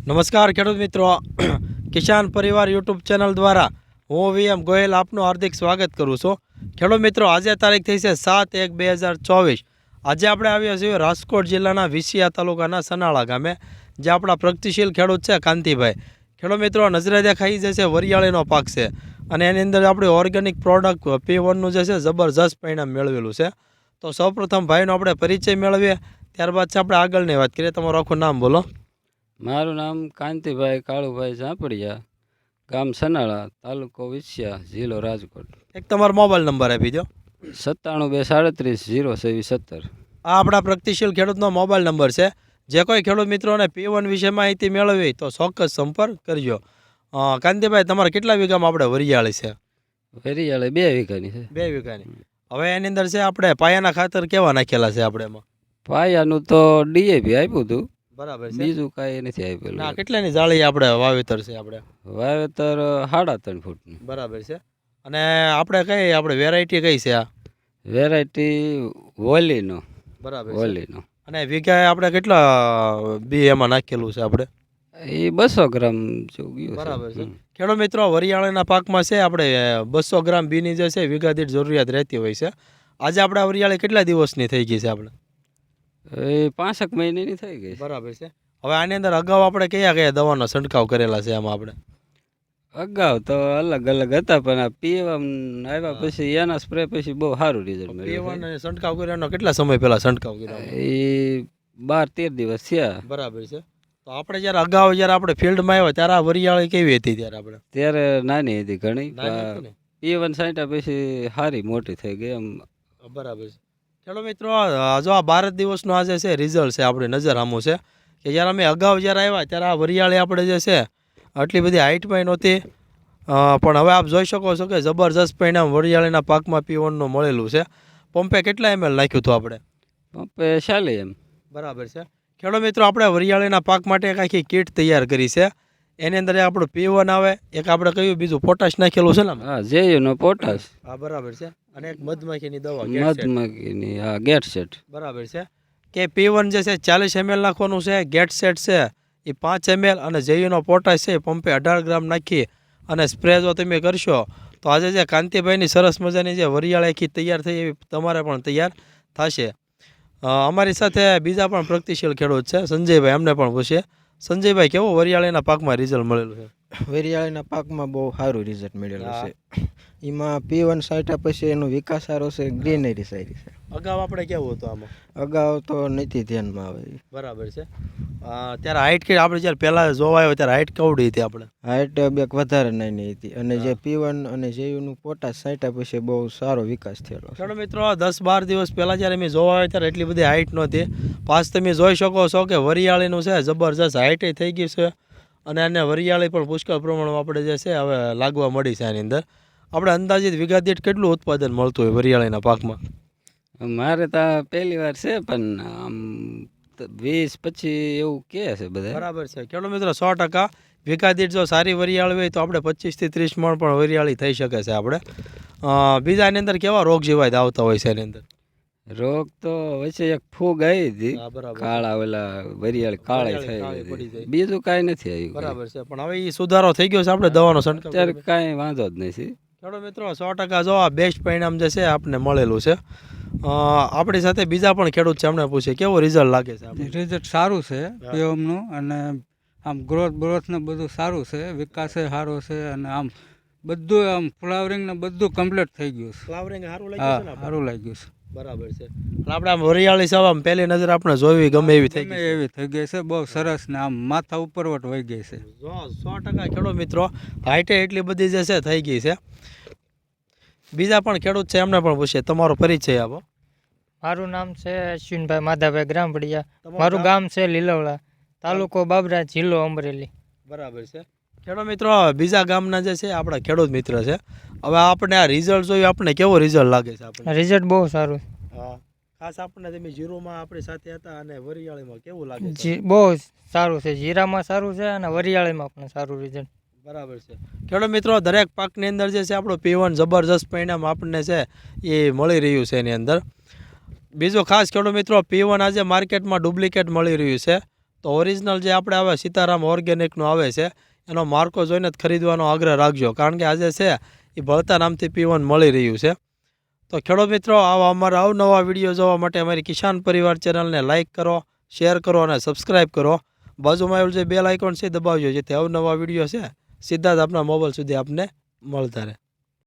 નમસ્કાર ખેડૂત મિત્રો, કિસાન પરિવાર યુટ્યુબ ચેનલ દ્વારા હું VM ગોયલ આપનું હાર્દિક સ્વાગત કરું છું. ખેડૂત મિત્રો, આજે તારીખ થઈ છે 7/1/2024. આજે આપણે આવ્યા છીએ રાજકોટ જિલ્લાના વિસિયા તાલુકાના સનાળા ગામે, જે આપણા પ્રગતિશીલ ખેડૂત છે કાંતિભાઈ. ખેડૂત મિત્રો, નજરે દેખાઈ જશે વરિયાળીનો પાક છે અને એની અંદર આપણી ઓર્ગેનિક પ્રોડક્ટ P1નું જે છે જબરજસ્ત પરિણામ મેળવેલું છે. તો સૌપ્રથમ ભાઈનો આપણે પરિચય મેળવીએ, ત્યારબાદ છે આપણે આગળની વાત કરીએ. તમારું આખું નામ બોલો. મારું નામ કાંતિભાઈ કાળુભાઈ ઝાંપડિયા, ગામ સનાળા, તાલુકો વિસિયા, જિલ્લો રાજકોટ. એક તમારો મોબાઈલ નંબર આપી દો. 97 237 0 27 17. આ આપણા પ્રગતિશીલ ખેડૂતનો મોબાઈલ નંબર છે. જે કોઈ ખેડૂત મિત્રોને P1 વિશે માહિતી મેળવવી તો ચોક્કસ સંપર્ક કરજો. કાંતિભાઈ, તમારા કેટલા વીઘામાં આપણે વરિયાળી છે? વરિયાળી 2 વીઘાની છે. 2 વીઘાની. હવે એની અંદર છે આપણે પાયાના ખાતર કેવા નાખેલા છે આપણે એમાં? પાયાનું તો DAP આપ્યું હતું, બરાબર છે. બીજું કાંઈ નથી આપેલું. ના, કેટલાની જાળી આપણે વાવેતર છે આપણે? વાવેતર 3.5 ફૂટનું. બરાબર છે. અને આપણે કઈ આપણે વેરાયટી કઈ છે આ? વેરાયટી વોલીનો. બરાબર છે. વોલીનો. અને વીઘાએ આપણે કેટલા બી એમાં નાખેલું છે આપણે? એ 200 ગ્રામ જેવું ગયું. બરાબર છે. ખેડૂત મિત્રો, વરિયાળીના પાકમાં છે આપણે 200 ગ્રામ બીની જે છે વીઘા દીઠ જરૂરિયાત રહેતી હોય છે. આજે આપણે વરિયાળી કેટલા દિવસની થઈ ગઈ છે આપણે? એ 5 મહિનાની થઈ ગઈ. બરાબર છે. હવે આની અંદર અગાઉ આપણે કયા કયા દવાનો છંટકાવ કરેલા છે આમાં આપણે? અગાઉ તો અલગ અલગ હતા, પણ આ પીએમ આવ્યા પછી એના સ્પ્રે પછી બહુ સારું રિઝલ્ટ મળ્યું. P1 ને છંટકાવ કર્યાનો કેટલા સમય પહેલા છંટકાવ કર્યો? એ 12-13 દિવસ થયા. બરાબર છે. તો આપણે જ્યારે અગાઉ જ્યારે આપણે ફિલ્ડમાં આવ્યા ત્યારે આ વરિયાળી કેવી હતી ત્યારે આપણે? ત્યારે નાની હતી ઘણી. નાની હતી ને? પીએમ છાંટ્યા પછી સારી મોટી થઈ ગઈ એમ. બરાબર છે. ચલો મિત્રો, જો આ 12 દિવસનું આજે છે રિઝલ્ટ છે આપણી નજર સામું છે કે જ્યારે અમે અગાઉ જ્યારે આવ્યા ત્યારે આ વરિયાળી આપણે જે છે આટલી બધી હાઇટમાં નહોતી, પણ હવે આપ જોઈ શકો છો કે જબરજસ્ત પરિણામ વરિયાળીના પાકમાં P1નું મળેલું છે. પંપે કેટલા ml નાખ્યું હતું આપણે? પંપે 40 એમ. બરાબર છે. ખેડૂત મિત્રો, આપણે વરિયાળીના પાક માટે એક આખી કીટ તૈયાર કરી છે. એની અંદર આપણું P1 આવે, એક આપણે કયું બીજું પોટાશ નાખેલું છે ને? હા, જેયુનો પોટાશ. હા, બરાબર છે. અને એક મધમાખીની દવા મધમાખીની ગેટ સેટ. બરાબર છે. કે P1 જે છે 40 ml નાખવાનું છે, ગેટ સેટ છે એ 5 ml, અને જેયુનો પોટાશ છે એ પંપે 18 ગ્રામ નાખી અને સ્પ્રે જો તમે કરશો તો આજે જે કાંતિભાઈની સરસ મજાની જે વરિયાળી આખી તૈયાર થઈ એવી તમારે પણ તૈયાર થશે. અમારી સાથે બીજા પણ પ્રગતિશીલ ખેડૂત છે સંજયભાઈ, એમને પણ પૂછીએ. સંજયભાઈ, કેવું વરિયાળીના પાકમાં રિઝલ્ટ મળેલું છે? વરિયાળીના પાકમાં બહુ સારું રિઝલ્ટ મળેલું છે. એમાં P1 છાંટ્યા પછી એનો વિકાસ સારો છે, ગ્રીનરી સારી છે. અગાઉ આપણે કેવું હતું આમાં? અગાઉ તો નથી ધ્યાનમાં આવે. બરાબર છે. ત્યારે હાઇટ કે આપણે જ્યારે પહેલાં જોવા આવ્યો ત્યારે હાઇટ કેવડી હતી આપણે? હાઇટ બેક વધારે નાની હતી, અને જે P1 અને જેયુનું પોટાશ છાંટ્યા પછી બહુ સારો વિકાસ થયેલો છે. ચલો મિત્રો, 10-12 દિવસ પહેલાં જ્યારે મેં જોવા આવ્યો ત્યારે એટલી બધી હાઇટ નહોતી. પાછ તમે જોઈ શકો છો કે વરિયાળીનું છે જબરજસ્ત હાઇટ થઈ ગઈ છે, અને એને વરિયાળી પણ પુષ્કળ પ્રમાણમાં આપણે જે છે હવે લાગવા મળી છે. આની અંદર આપણે અંદાજિત વીઘા દીઠ કેટલું ઉત્પાદન મળતું હોય વરિયાળીના પાકમાં? મારે તો પહેલી વાર છે, પણ આમ 20-25 એવું કહે છે બધા. બરાબર છે. ખેડૂત મિત્રો, 100% વીઘા દીઠ જો સારી વરિયાળી હોય તો આપણે 25 થી 30 મણ પણ વરિયાળી થઈ શકે છે આપણે. બીજા એની અંદર કેવા રોગ જીવાત આવતા હોય છે એની અંદર? રોગ તો વચ્ચે એક ફૂગ આવી હતી, બરાબર. કાળા ઓલા વરિયાળી કાળી થઈ ગઈ. બીજું કાંઈ નથી આવ્યું. બરાબર છે. પણ હવે એ સુધારો થઈ ગયો છે આપણે દવાનો છંટકાવ અત્યારે કાંઈ વાંધો જ નથી. ખેડૂત મિત્રો, 100% જો આ બેસ્ટ પરિણામ જે છે આપણને મળેલું છે. આપણી સાથે બીજા પણ ખેડૂત છે, એમને પૂછે કેવો રિઝલ્ટ લાગે છે? રિઝલ્ટ સારું છે પીએમનું, અને આમ ગ્રોથ ને બધું સારું છે, વિકાસ સારો છે, અને આમ બધું આમ ફ્લાવરિંગ ને બધું કમ્પ્લીટ થઈ ગયું છે. ફ્લાવરિંગ સારું લાગ્યું છે ને? સારું લાગ્યું છે. બરાબર છે. આપણે આમ વરિયાળી સાવ આમ પહેલી નજર આપણે જોવી ગમે એવી થઈ ગઈ. એવી થઈ ગઈ છે, બહુ સરસ, ને આમ માથા ઉપરવટ વહી ગઈ છે. 100% ખેડૂત મિત્રો, હાઈટે એટલી બધી જે છે થઈ ગઈ છે. બીજા પણ ખેડૂત છે, એમને પણ પૂછીએ. તમારો પરિચય આપો. મારું નામ છે અશ્વિનભાઈ માધાભાઈ ગ્રામપડિયા. મારું ગામ છે લીલવડા, તાલુકો બાબરા, જિલ્લો અમરેલી. બરાબર છે. ખેડૂત મિત્રો, બીજા ગામના જે છે આપણા ખેડૂત મિત્ર છે. હવે આપણે આ રિઝલ્ટ જોયું, આપણે કેવો રિઝલ્ટ લાગે છે? આપણે રિઝલ્ટ બહુ સારું. હા, ખાસ આપણને તમે જીરોમાં આપણી સાથે હતા અને વરિયાળીમાં કેવું લાગે છે? બહુ સારું છે. જીરામાં સારું છે અને વરિયાળીમાં પણ સારું રિઝલ્ટ. બરાબર છે. ખેડૂત મિત્રો, દરેક પાકની અંદર જે છે આપણું P1 જબરજસ્ત પરિણામ આપણને છે એ મળી રહ્યું છે એની અંદર. બીજો ખાસ ખેડૂત મિત્રો, P1 આજે માર્કેટમાં ડુપ્લિકેટ મળી રહ્યું છે, તો ઓરિજિનલ જે આપણે આવે સીતારામ ઓર્ગેનિકનું આવે છે એનો માર્કો જોઈને જ ખરીદવાનો આગ્રહ રાખજો, કારણ કે આજે છે એ ભળતા નામથી P1 મળી રહ્યું છે. તો ખેડૂત મિત્રો, આવા અમારા અવનવા વિડીયો જોવા માટે અમારી કિસાન પરિવાર ચેનલને લાઇક કરો, શેર કરો અને સબસ્ક્રાઈબ કરો. બાજુમાં આવેલું જે બેલ આઇકોન છે દબાવજો, જેથી અવનવા વિડીયો છે સીધા જ આપણા મોબાઈલ સુધી આપને મળતા રહે.